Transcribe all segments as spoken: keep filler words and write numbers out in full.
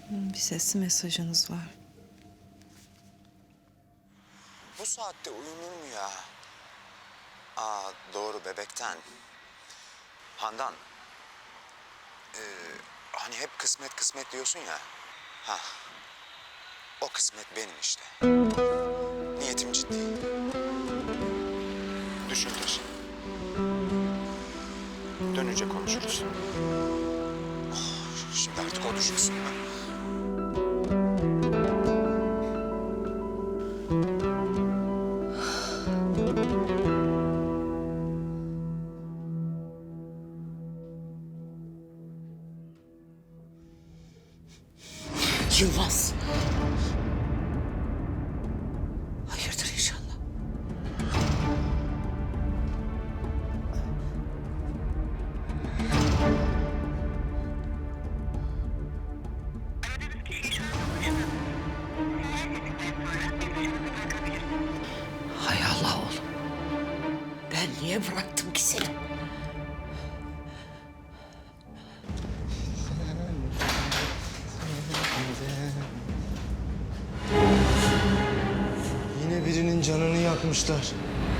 Bir sesli mesajınız var. Bu saatte uyunur mu ya? Aa doğru bebekten. Handan. Ee, hani hep kısmet kısmet diyorsun ya. Ha. O kısmet benim işte. Niyetim ciddi. Düşün taşın. Dönünce konuşuruz. Oh, şimdi artık o düşünsün mü? Yılmaz. Hayırdır inşallah. Hay Allah oğlum. Ben niye bıraktım ki seni? Yine birinin canını yakmışlar.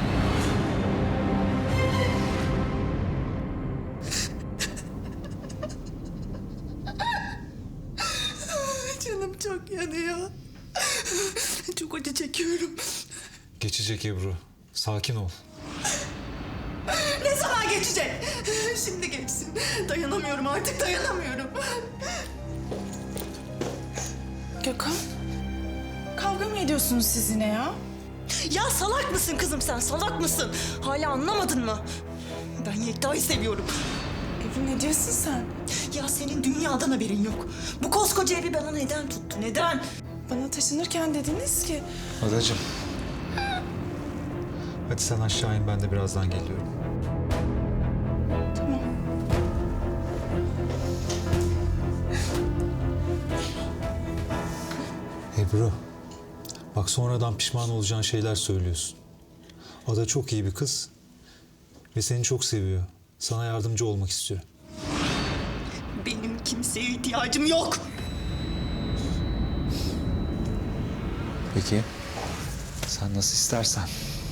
Canım çok yanıyor. Çok acı çekiyorum. Geçecek Ebru. Sakin ol. Ne zaman geçecek? Şimdi geçsin. Dayanamıyorum artık, dayanamıyorum. Gökhan, kavga mı ediyorsunuz siz yine ya? Ya salak mısın kızım sen, salak mısın? Hala anlamadın mı? Ben Yekta'yı seviyorum. Ebru ne diyorsun sen? Ya senin dünyadan haberin yok. Bu koskoca evi bana neden tuttu, neden? Bana taşınırken dediniz ki... Adacığım. Hadi sen aşağı in, ben de birazdan geliyorum. Tamam. Ebru. Bak sonradan pişman olacağın şeyler söylüyorsun. Ada çok iyi bir kız. Ve seni çok seviyor. Sana yardımcı olmak istiyor. Benim kimseye ihtiyacım yok. Peki. Sen nasıl istersen.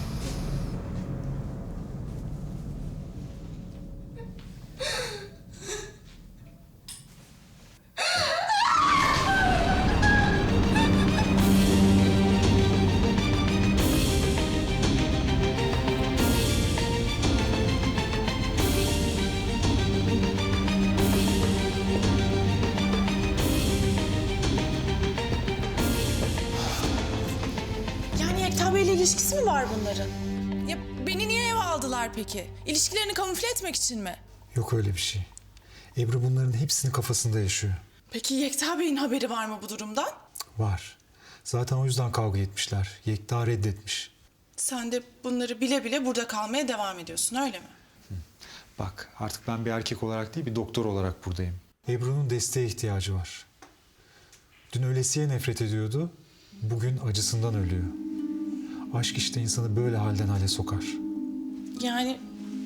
Yani Yekta Bey'le ilişkisi mi var bunların? Ya beni niye eve aldılar peki? İlişkilerini kamufle etmek için mi? Yok öyle bir şey. Ebru bunların hepsini kafasında yaşıyor. Peki Yekta Bey'in haberi var mı bu durumdan? Var. Zaten o yüzden kavga etmişler. Yekta reddetmiş. Sen de bunları bile bile burada kalmaya devam ediyorsun, öyle mi? Bak artık ben bir erkek olarak değil bir doktor olarak buradayım. Ebru'nun desteğe ihtiyacı var. Dün ölesiye nefret ediyordu. Bugün acısından ölüyor. Aşk işte insanı böyle halden hale sokar. Yani...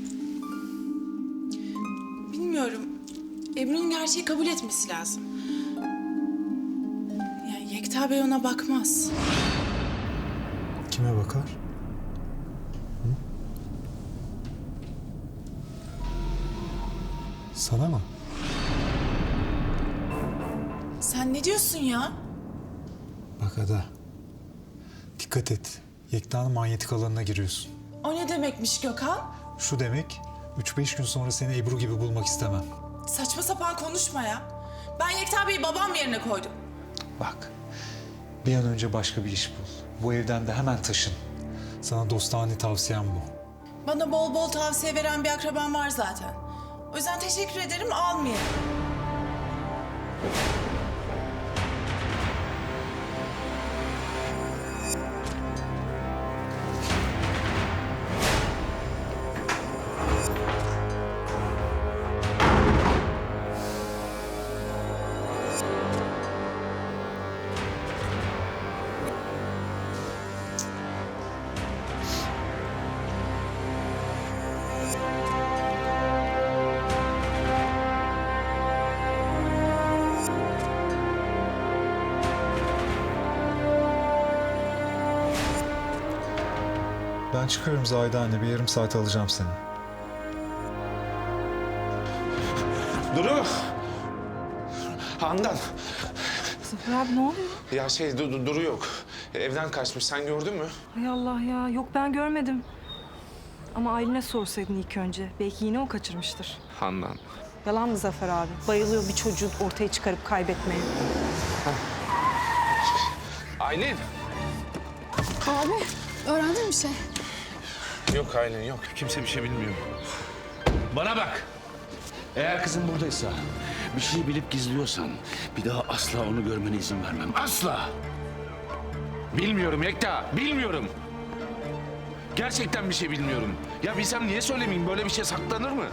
Bilmiyorum. Ebru'nun gerçeği kabul etmesi lazım. Yani Yekta Bey ona bakmaz. Kime bakar? Hı? Sana mı? Sen ne diyorsun ya? Bak Ada. Dikkat et. Yekta'nın manyetik alanına giriyorsun. O ne demekmiş Gökhan? Şu demek, üç beş gün sonra seni Ebru gibi bulmak istemem. Saçma sapan konuşma ya. Ben Yekta Bey'i babam yerine koydum. Bak, bir an önce başka bir iş bul. Bu evden de hemen taşın. Sana dostane tavsiyem bu. Bana bol bol tavsiye veren bir akrabam var zaten. O yüzden teşekkür ederim, almayayım. Ben çıkıyorum Zahide anne. Bir yarım saat alacağım seni. Duru! Handan! Zafer abi ne oluyor? Ya şey du- du- Duru yok. Evden kaçmış. Sen gördün mü? Hay Allah ya. Yok ben görmedim. Ama Aylin'e sorsaydın ilk önce. Belki yine o kaçırmıştır. Handan. Yalan mı Zafer abi? Bayılıyor bir çocuğu ortaya çıkarıp kaybetmeye. Aylin! Abi öğrendin mi bir şey? Yok Aylin yok. Kimse bir şey bilmiyor. Bana bak. Eğer kızın buradaysa, bir şey bilip gizliyorsan bir daha asla onu görmene izin vermem. Asla. Bilmiyorum Yekta, bilmiyorum. Gerçekten bir şey bilmiyorum. Ya bilsem niye söylemeyeyim? Böyle bir şey saklanır mı?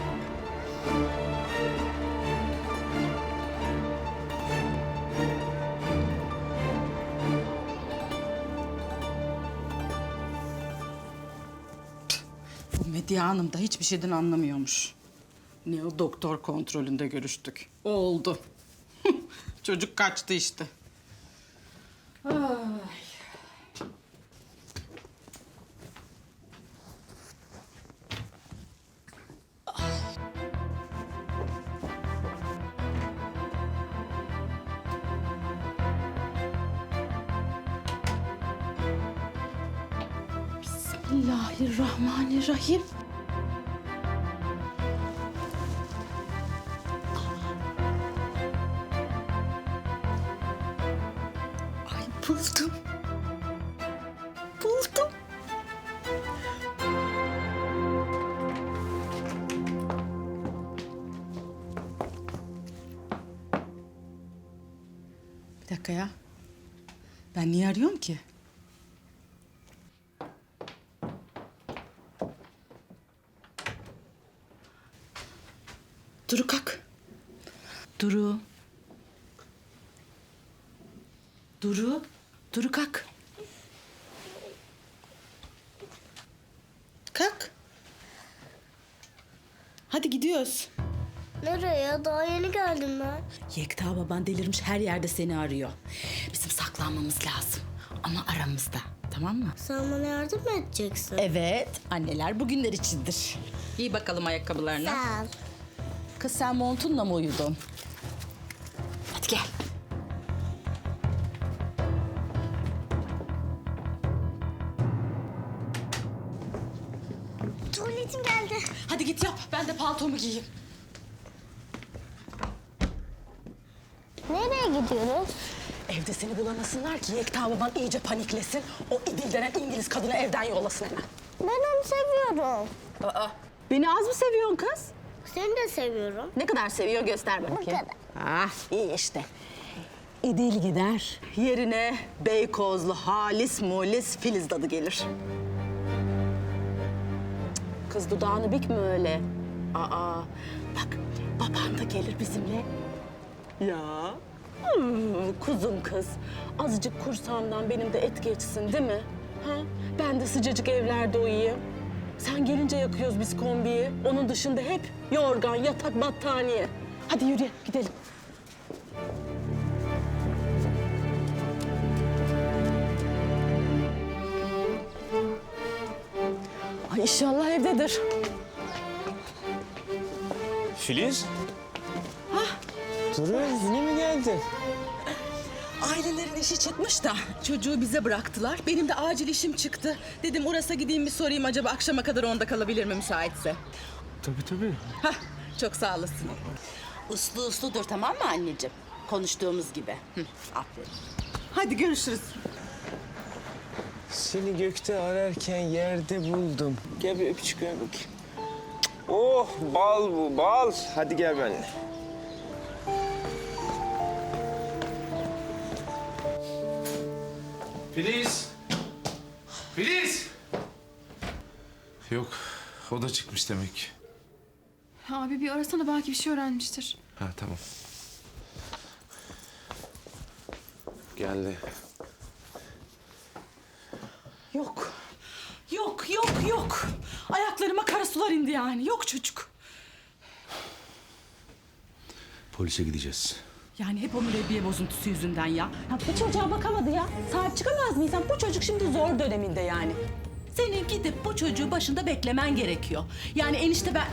Bu Medya Hanım da hiçbir şeyden anlamıyormuş. Ne o doktor kontrolünde görüştük. O oldu. Çocuk kaçtı işte. Ay. Bismillahirrahmanirrahim. Ay buldum. Buldum. Bir dakika ya. Ben niye arıyorum ki? Duru kalk. Duru. Duru. Duru kalk. Kalk. Hadi gidiyoruz. Nereye? Daha yeni geldim ben. Yekta baban delirmiş, her yerde seni arıyor. Bizim saklanmamız lazım. Ama aramızda. Tamam mı? Sen bana yardım mı edeceksin? Evet. Anneler bugünler içindir. İyi bakalım ayakkabılarına. Sağ ol. Kız sen montunla mı uyudun? Hadi gel. Tuvaletim geldi. Hadi git yap. Ben de paltomu giyeyim. Nereye gidiyoruz? Evde seni bulamasınlar ki Yekta baban iyice paniklesin. O İdil denen İngiliz kadını evden yollasın hemen. Ben onu seviyorum. Aa, beni az mı seviyorsun kız? Seni de seviyorum. Ne kadar seviyor göster bakayım. Bu kadar. Ah iyi işte. İdil gider. Yerine Beykozlu halis mulis Filiz dadı gelir. Cık, Kız dudağını bükme öyle. Aa bak baban da gelir bizimle. Ya hmm, kuzum kız. Azıcık kursağımdan benim de et geçsin değil mi? Ha? Ben de sıcacık evlerde uyuyayım. Sen gelince yakıyoruz biz kombiyi. Onun dışında hep yorgan, yatak, battaniye. Hadi yürü gidelim. Ay inşallah evdedir. Filiz? Duru yine mi geldin? Ailelerin işi çıkmış da çocuğu bize bıraktılar. Benim de acil işim çıktı. Dedim Uras'a gideyim bir sorayım acaba akşama kadar onda kalabilir mi müsaitse? Tabii tabii. Hah, çok sağ olasın. Uslu usludur tamam mı anneciğim? Konuştuğumuz gibi. Hı, aferin. Hadi görüşürüz. Seni gökte ararken yerde buldum. Gel bir öpücük ver bakayım. Oh bal bu bal. Hadi gel benimle. Filiz! Filiz! Yok, o da çıkmış demek ki. Abi bir arasana belki bir şey öğrenmiştir. Ha tamam. Geldi. Yok. Yok, yok, yok. Ayaklarıma kara sular indi yani. Yok çocuk. Polise gideceğiz. Yani hep o mürebbiye bozuntusu yüzünden ya. ya. Bu çocuğa bakamadı ya. Sahip çıkamaz mıyız? Bu çocuk şimdi zor döneminde yani. Senin gidip bu çocuğu başında beklemen gerekiyor. Yani enişte ben...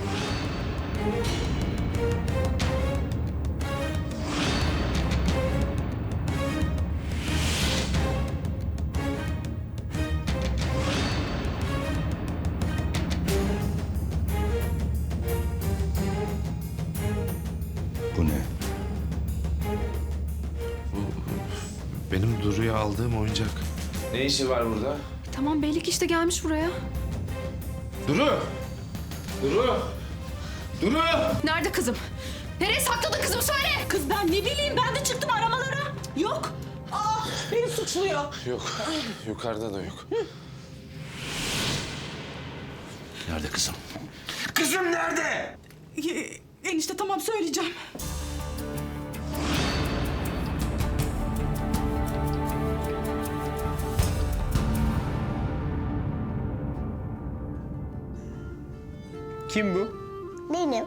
Bu ne? Benim Duru'ya aldığım oyuncak. Ne işi var burada? Tamam Beylik işte gelmiş buraya. Duru! Duru! Duru! Nerede kızım? Nereye sakladın kızım söyle. Kız ben ne bileyim, ben de çıktım aramalara. Yok. Aa, beni suçluyor. Yok, yukarıda da yok. Nerede kızım? Kızım nerede? Ee, enişte tamam söyleyeceğim. Kim bu? Benim.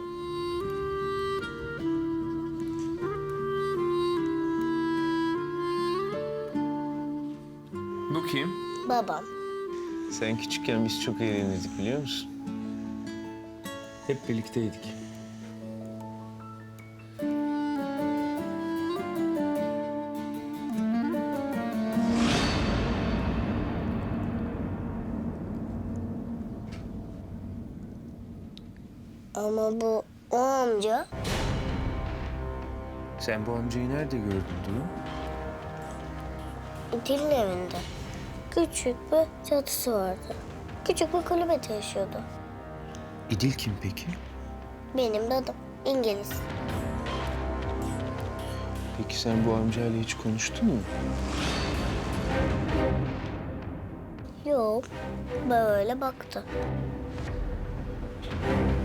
Bu kim? Babam. Sen küçükken biz çok eğlenirdik biliyor musun? Hep birlikteydik. Ama bu o amca. Sen bu amcayı nerede gördün Duru? İdil'in evinde. Küçük bir çatısı vardı. Küçük bir kulübede yaşıyordu. İdil kim peki? Benim dadım. İngiliz. Peki sen bu amcayla hiç konuştun mu? Yok. Böyle baktı.